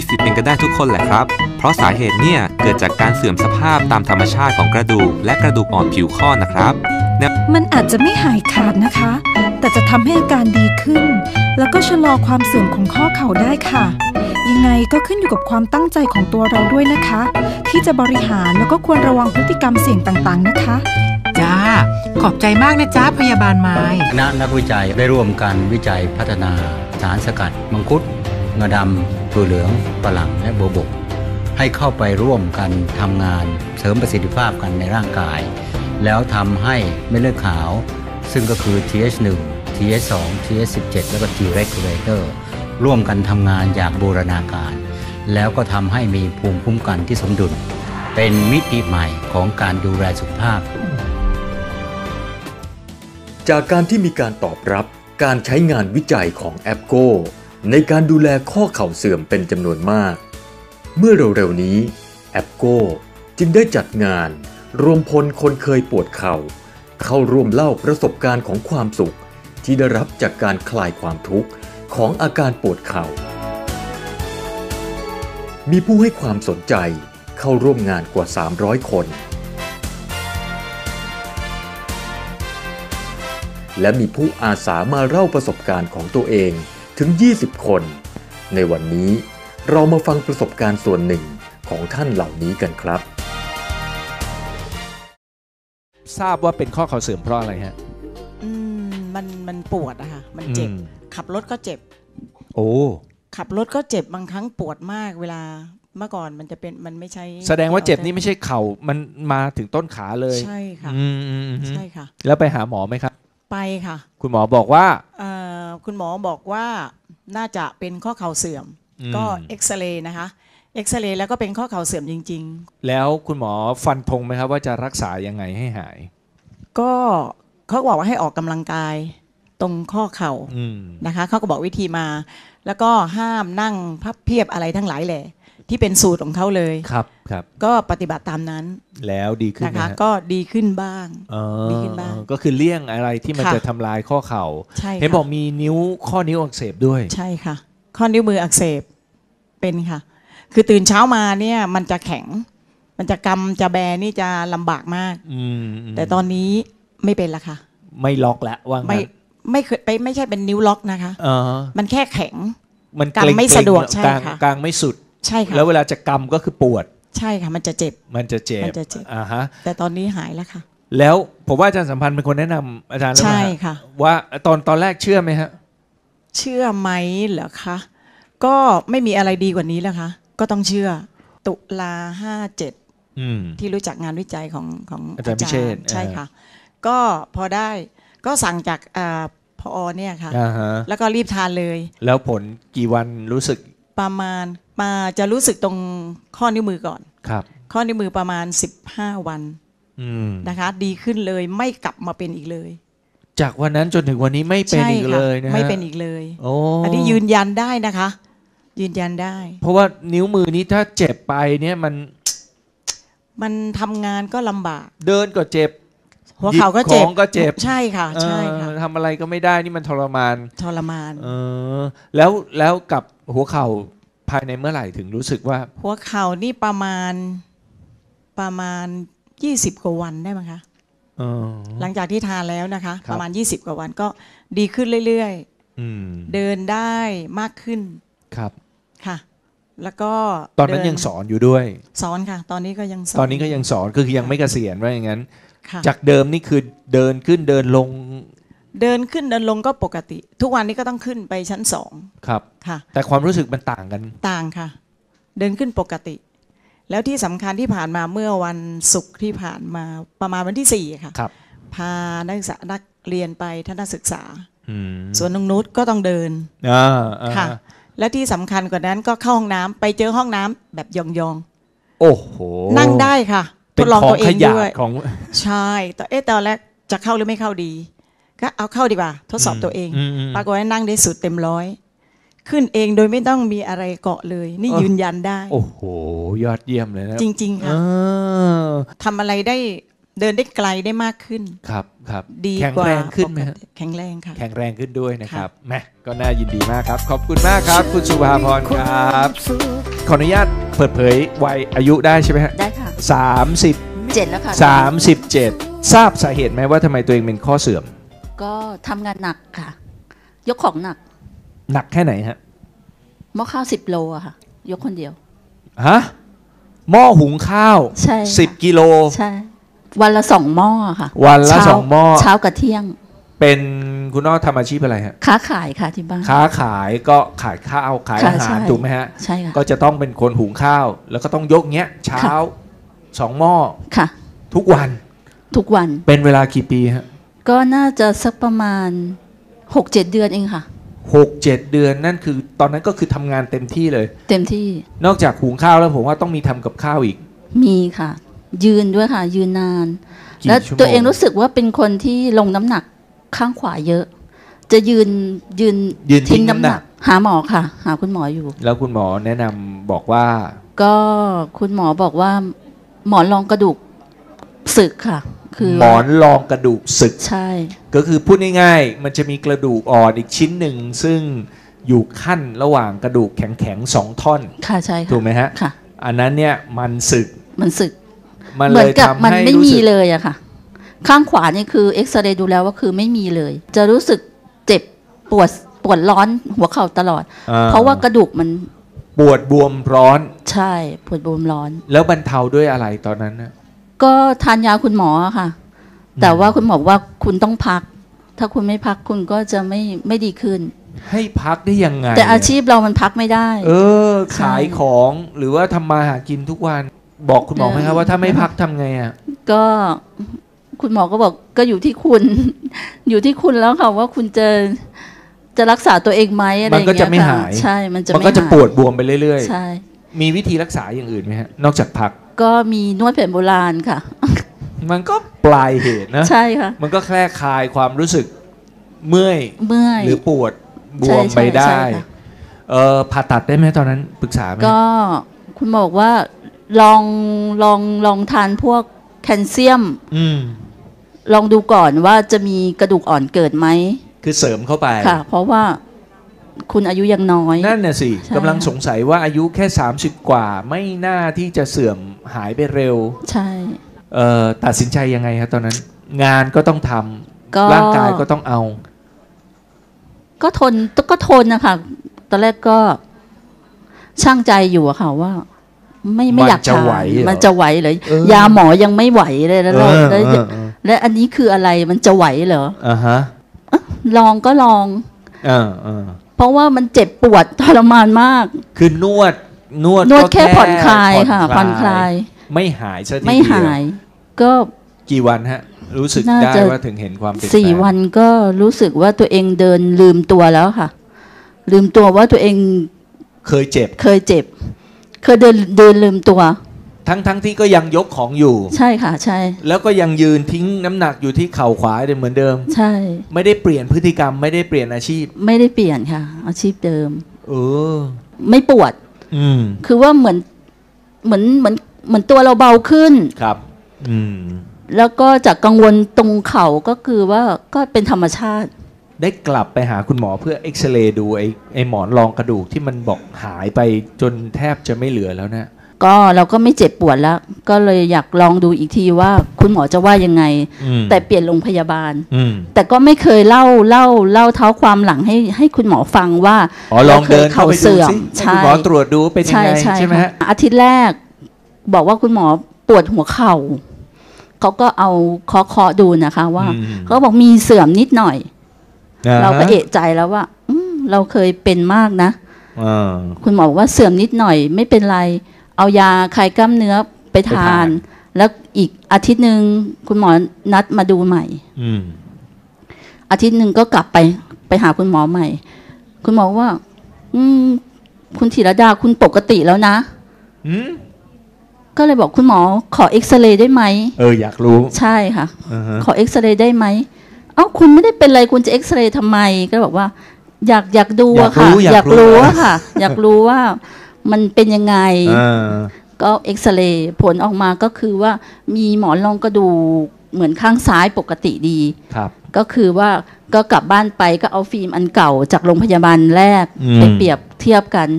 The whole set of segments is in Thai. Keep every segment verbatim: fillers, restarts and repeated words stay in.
สิทธิ์เป็นกันได้ทุกคนแหละครับเพราะสาเหตุเนี่ยเกิดจากการเสื่อมสภาพตามธรรมชาติของกระดูกและกระดูกอ่อนผิวข้อนะครับมันอาจจะไม่หายขาดนะคะแต่จะทำให้อาการดีขึ้นแล้วก็ชะลอความเสื่อมของข้อเข่าได้ค่ะยังไงก็ขึ้นอยู่กับความตั้งใจของตัวเราด้วยนะคะที่จะบริหารแล้วก็ควรระวังพฤติกรรมเสี่ยงต่างๆนะคะจ้าขอบใจมากนะจ้าพยาบาลไม้คณะนักวิจัยได้ร่วมกันวิจัยพัฒนาสารสกัดมังคุดงาดำถั่วเหลืองฝรั่งและโบวบกให้เข้าไปร่วมกันทำงานเสริมประสิทธิภาพกันในร่างกายแล้วทำให้เม็ดเลือดขาวซึ่งก็คือ ที เอช หนึ่ง ที เอช สอง ที เอช สิบเจ็ด แล้วก็ T regulator ร่วมกันทำงานอย่างบูรณาการแล้วก็ทำให้มีภูมิคุ้มกันที่สมดุลเป็นมิติใหม่ของการดูแลสุขภาพจากการที่มีการตอบรับการใช้งานวิจัยของแอปโกในการดูแลข้อเข่าเสื่อมเป็นจำนวนมากเมื่อเร็วๆนี้แอปโกจึงได้จัดงานรวมพลคนเคยปวดเข่าเข้าร่วมเล่าประสบการณ์ของความสุขที่ได้รับจากการคลายความทุกข์ของอาการปวดเข่ามีผู้ให้ความสนใจเข้าร่วมงานกว่าสามร้อยคนและมีผู้อาสามาเล่าประสบการณ์ของตัวเองถึงยี่สิบคนในวันนี้เรามาฟังประสบการณ์ส่วนหนึ่งของท่านเหล่านี้กันครับทราบว่าเป็นข้อเข่าเสื่อมเพราะอะไรฮะอืมมันมันปวดอะค่ะมันเจ็บขับรถก็เจ็บโอ้ขับรถก็เจ็บบางครั้งปวดมากเวลาเมื่อก่อนมันจะเป็นมันไม่ใช่แสดงว่าเจ็บนี่ไม่ใช่เข่ามันมาถึงต้นขาเลยใช่ค่ะใช่ค่ะแล้วไปหาหมอไหมครับไปค่ะคุณหมอบอกว่าคุณหมอบอกว่าน่าจะเป็นข้อเข่าเสื่อมก็เอ็กซเรย์นะคะเอ็กซเรย์แล้วก็เป็นข้อเข่าเสื่อมจริงๆแล้วคุณหมอฟันธงไหมครับว่าจะรักษายังไงให้หายก็เขาบอกว่าให้ออกกำลังกายตรงข้อเข่านะคะเขาก็บอกวิธีมาแล้วก็ห้ามนั่งพับเพียบอะไรทั้งหลายแหละที่เป็นสูตรของเขาเลยครับครับก็ปฏิบัติตามนั้นแล้วดีขึ้นนะคะก็ดีขึ้นบ้างดีขึ้นบ้างก็คือเลี่ยงอะไรที่มันจะทำลายข้อเข่าเห็นบอกมีนิ้วข้อนิ้วอักเสบด้วยใช่ค่ะข้อนิ้วมืออักเสบเป็นค่ะคือตื่นเช้ามาเนี่ยมันจะแข็งมันจะกำจะแบนี่จะลำบากมากแต่ตอนนี้ไม่เป็นละค่ะไม่ล็อกแล้วว่าไม่ไม่เคยไปไม่ใช่เป็นนิ้วล็อกนะคะมันแค่แข็งมันกำไม่สะดวกใช่ค่ะกลางไม่สุดใช่ค่ะแล้วเวลาจะกำก็คือปวดใช่ค่ะมันจะเจ็บมันจะเจ็บมันจะเจ็บอ่าฮะแต่ตอนนี้หายแล้วค่ะแล้วผมว่าอาจารย์สัมพันธ์เป็นคนแนะนำอาจารย์ใช่ค่ะว่าตอนตอนแรกเชื่อไหมฮะเชื่อไหมเหรอคะก็ไม่มีอะไรดีกว่านี้แล้วค่ะก็ต้องเชื่อตุลาห้าเจ็ดที่รู้จักงานวิจัยของของอาจารย์พิเชษใช่ค่ะก็พอได้ก็สั่งจากพอเนี่ยค่ะแล้วก็รีบทานเลยแล้วผลกี่วันรู้สึกประมาณมาจะรู้สึกตรงข้อนิ้วมือก่อนครับข้อนิ้วมือประมาณสิบห้าวันนะคะดีขึ้นเลยไม่กลับมาเป็นอีกเลยจากวันนั้นจนถึงวันนี้ไม่เป็นอีกเลยนะไม่เป็นอีกเลยอันนี้ยืนยันได้นะคะยืนยันได้เพราะว่านิ้วมือนี้ถ้าเจ็บไปเนี่ยมันมันทำงานก็ลำบากเดินก็เจ็บหัวเข่าก็เจ็บก็เจ็บใช่ค่ะใช่ค่ะทำอะไรก็ไม่ได้นี่มันทรมานทรมานเออแล้วแล้วกับหัวเข่าภายในเมื่อไหร่ถึงรู้สึกว่าหัวเข่านี่ประมาณประมาณยี่สิบกว่าวันได้ไหมคะหลังจากที่ทานแล้วนะคะประมาณยี่สิบกว่าวันก็ดีขึ้นเรื่อยๆเดินได้มากขึ้นครับค่ะแล้วก็ตอนนั้นยังสอนอยู่ด้วยสอนค่ะตอนนี้ก็ยังสอนตอนนี้ก็ยังสอนคือยังไม่เกษียณว่าอย่างนั้นจากเดิมนี่คือเดินขึ้นเดินลงเดินขึ้นเดินลงก็ปกติทุกวันนี้ก็ต้องขึ้นไปชั้นสองครับค่ะแต่ความรู้สึกมันต่างกันต่างค่ะเดินขึ้นปกติแล้วที่สำคัญที่ผ่านมาเมื่อวันศุกร์ที่ผ่านมาประมาณวันที่สี่ค่ะพานักศึกษานักเรียนไปทัศนศึกษาสวนนงนุชก็ต้องเดินค่ะและที่สำคัญกว่านั้นก็เข้าห้องน้ำไปเจอห้องน้ำแบบยองๆโอ้โหนั่งได้ค่ะทดลองตัวเองด้วยของใช่แต่เอ๊ะตอนแรกจะเข้าหรือไม่เข้าดีก็เอาเข้าดีกว่าทดสอบตัวเองปรากฏว่านั่งได้สุดเต็มร้อยขึ้นเองโดยไม่ต้องมีอะไรเกาะเลยนี่ยืนยันได้โอ้โหยอดเยี่ยมเลยนะจริงๆค่ะทำอะไรได้เดินได้ไกลได้มากขึ้นครับครับดีกว่าแข็งแรงขึ้นไหมแข็งแรงค่ะแข็งแรงขึ้นด้วยนะครับแหมก็น่ายินดีมากครับขอบคุณมากครับคุณสุภาพรครับขออนุญาตเปิดเผยวัยอายุได้ใช่ไหมฮะได้ค่ะสามสิบเจ็ดแล้วค่ะสามสิบเจ็ดทราบสาเหตุไหมว่าทำไมตัวเองเป็นข้อเสื่อมก็ทำงานหนักค่ะยกของหนักหนักแค่ไหนฮะหม้อข้าวสิบโลอะค่ะยกคนเดียวฮะหม้อหุงข้าวใช่สิบกิโลใช่วันละสองหม้อค่ะวันละสองหม้อเช้ากับเที่ยงเป็นคุณน้อทำอาชีพอะไรฮะค้าขายค่ะที่บ้านค้าขายก็ขายข้าวขายอาหารถูกไหมฮะใช่ค่ะก็จะต้องเป็นคนหุงข้าวแล้วก็ต้องยกเงี้ยเช้าสองหม้อค่ะทุกวันทุกวันเป็นเวลากี่ปีฮะก็น่าจะสักประมาณหกเจ็ดเดือนเองค่ะหกเจ็ดเดือนนั่นคือตอนนั้นก็คือทำงานเต็มที่เลยเต็มที่นอกจากหุงข้าวแล้วผมว่าต้องมีทำกับข้าวอีกมีค่ะยืนด้วยค่ะยืนนานแล้วตัวเองรู้สึกว่าเป็นคนที่ลงน้ำหนักข้างขวาเยอะจะยืนยืนยืนทิ้งน้ำหนักหาหมอค่ะหาคุณหมออยู่แล้วคุณหมอแนะนำบอกว่าก็คุณหมอบอกว่าหมอนรองกระดูกสึกค่ะคือหมอนรองกระดูกสึกใช่ก็คือพูดง่ายๆมันจะมีกระดูกอ่อนอีกชิ้นหนึ่งซึ่งอยู่ขั้นระหว่างกระดูกแข็งๆสองท่อนค่ะใช่ค่ะถูกไหมฮะค่ะอันนั้นเนี่ยมันสึกมันสึกมันเลยทำให้มันไม่มีเลยอะค่ะข้างขวานี่คือเอ็กซเรย์ดูแล้วว่าคือไม่มีเลยจะรู้สึกเจ็บปวดปวดร้อนหัวเข่าตลอดเพราะว่ากระดูกมันปวดบวมร้อนใช่ปวดบวมร้อนแล้วบรรเทาด้วยอะไรตอนนั้นนะก็ทานยาคุณหมอค่ะแต่ว่าคุณหมอว่าคุณต้องพักถ้าคุณไม่พักคุณก็จะไม่ไม่ดีขึ้นให้พักได้ยังไงแต่อาชีพเรามันพักไม่ได้เออขายของหรือว่าทำมาหากินทุกวันบอกคุณหมอไหมครับว่าถ้าไม่พักทำไงอ่ะก็คุณหมอก็บอกก็อยู่ที่คุณอยู่ที่คุณแล้วค่ะว่าคุณจะจะรักษาตัวเองไหมอะไรอย่างเงี้ยมันก็จะไม่หายใช่มันจะมันก็จะปวดบวมไปเรื่อยๆใช่มีวิธีรักษาอย่างอื่นไหมฮะนอกจากพักก็มีนวดแผนโบราณค่ะมันก็ปลายเหตุนะใช่ค่ะมันก็แค่คลายความรู้สึกเมื่อยเมื่อยหรือปวดบวมไปได้เออผ่าตัดได้ไหมตอนนั้นปรึกษาไหมก็คุณหมอบอกว่าลองลองลองทานพวกแคลเซียมลองดูก่อนว่าจะมีกระดูกอ่อนเกิดไหมคือเสริมเข้าไปค่ะเพราะว่าคุณอายุยังน้อยนั่นน่ะสิกำลังสงสัยว่าอายุแค่สามสิบกว่าไม่น่าที่จะเสื่อมหายไปเร็วใช่เอ่อตัดสินใจยังไงครับตอนนั้นงานก็ต้องทำร่างกายก็ต้องเอาก็ทนก็ทนนะคะตอนแรกก็ช่างใจอยู่อะค่ะว่าไม่ไม่อยากทานมันจะไหวเลยยาหมอยังไม่ไหวเลยแล้วแล้วและอันนี้คืออะไรมันจะไหวเหรออ่าฮะลองก็ลองอ่าอ่าเพราะว่ามันเจ็บปวดทรมานมากคือนวดนวดนวดแค่ผ่อนคลายค่ะผ่อนคลายไม่หายซะทีเดียวไม่หายก็กี่วันฮะรู้สึกได้ว่าถึงเห็นความเปลี่ยนแปลงสี่วันก็รู้สึกว่าตัวเองเดินลืมตัวแล้วค่ะลืมตัวว่าตัวเองเคยเจ็บเคยเจ็บเคยเดินเดินลืมตัวทั้งทั้งที่ก็ยังยกของอยู่ใช่ค่ะใช่แล้วก็ยังยืนทิ้งน้ำหนักอยู่ที่เข่าขวาเหมือนเดิมใช่ไม่ได้เปลี่ยนพฤติกรรมไม่ได้เปลี่ยนอาชีพไม่ได้เปลี่ยนค่ะอาชีพเดิมเออไม่ปวดอืมคือว่าเหมือนเหมือนเหมือนเหมือนตัวเราเบาขึ้นครับอืมแล้วก็จากกังวลตรงเข่าก็คือว่าก็เป็นธรรมชาติได้กลับไปหาคุณหมอเพื่อเอ็กซเรย์ดูไอ้ไอ้หมอนรองกระดูกที่มันบอกหายไปจนแทบจะไม่เหลือแล้วนะก็เราก็ไม่เจ็บปวดแล้วก็เลยอยากลองดูอีกทีว่าคุณหมอจะว่ายังไงแต่เปลี่ยนโรงพยาบาลแต่ก็ไม่เคยเล่าเล่าเล่าเท้าความหลังให้ให้คุณหมอฟังว่าอ๋อลองเดินเข้าไปดูสิให้คุณหมอตรวจดูเป็นยังไงใช่ไหมฮะอาทิตย์แรกบอกว่าคุณหมอปวดหัวเข่าเขาก็เอาเคาะเคาะดูนะคะว่าเขาบอกมีเสื่อมนิดหน่อยเราก็เอะใจแล้วว่าเราเคยเป็นมากนะคุณหมอบอกว่าเสื่อมนิดหน่อยไม่เป็นไรเอายาคลายกล้ามเนื้อไปทานแล้วอีกอาทิตย์หนึ่งคุณหมอนัดมาดูใหม่อาทิตย์หนึ่งก็กลับไปไปหาคุณหมอใหม่คุณหมอว่าอืมคุณธีรดาคุณปกติแล้วนะก็เลยบอกคุณหมอขอเอ็กซเรย์ได้ไหมเอออยากรู้ใช่ค่ะ uh-huh. ขอเอ็กซเรย์ได้ไหมเอ้าคุณไม่ได้เป็นอะไรคุณจะเอ็กซเรย์ทำไมก็บอกว่าอยากอยากดูอะค่ะอยากรู้อะค่ะอยากรู้ว่ามันเป็นยังไง uh. ก็เอ็กซเรย์ผลออกมาก็คือว่ามีหมอนรองกระดูกเหมือนข้างซ้ายปกติดีครับก็คือว่าก็กลับบ้านไปก็เอาฟิล์มอันเก่าจากโรงพยาบาลแรกไปเปรียบเทียบกัน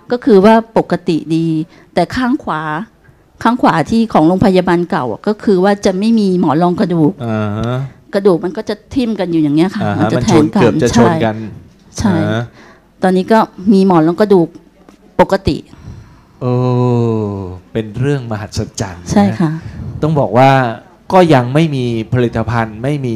ก็คือว่าปกติดี แต่ข้างขวาข้างขวาที่ของโรงพยาบาลเก่าก็คือว่าจะไม่มีหมอนรองกระดูกกระดูกมันก็จะทิ่มกันอยู่อย่างเงี้ยค่ะมันจะแทงกันเกือบจะชนกันใช่ตอนนี้ก็มีหมอนรองกระดูกปกติโอ้เป็นเรื่องมหัศจรรย์ใช่ค่ะต้องบอกว่าก็ยังไม่มีผลิตภัณฑ์ไม่มี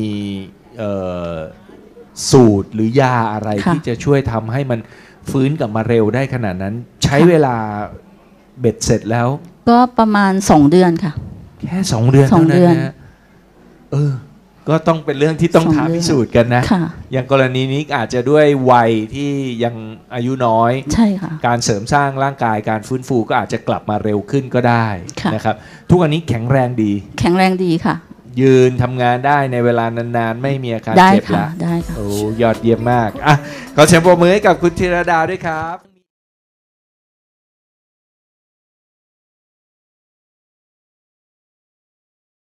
สูตรหรือยาอะไรที่จะช่วยทำให้มันฟื้นกลับมาเร็วได้ขนาดนั้นใช้เวลาเบ็ดเสร็จแล้วก็ประมาณสองเดือนค่ะแค่สองเดือนเท่านั้นนะเออก็ต้องเป็นเรื่องที่ต้องท้าพิสูจน์กันนะอย่างกรณีนี้อาจจะด้วยวัยที่ยังอายุน้อยใช่ค่ะการเสริมสร้างร่างกายการฟื้นฟูก็อาจจะกลับมาเร็วขึ้นก็ได้นะครับทุกวันนี้แข็งแรงดีแข็งแรงดีค่ะยืนทำงานได้ในเวลานานๆไม่มีอาการเจ็บแล้วได้ค่ะโอ้ยอดเยี่ยมมากอ่ะขอเสียงปรบมือให้กับคุณธีรดาด้วยครับ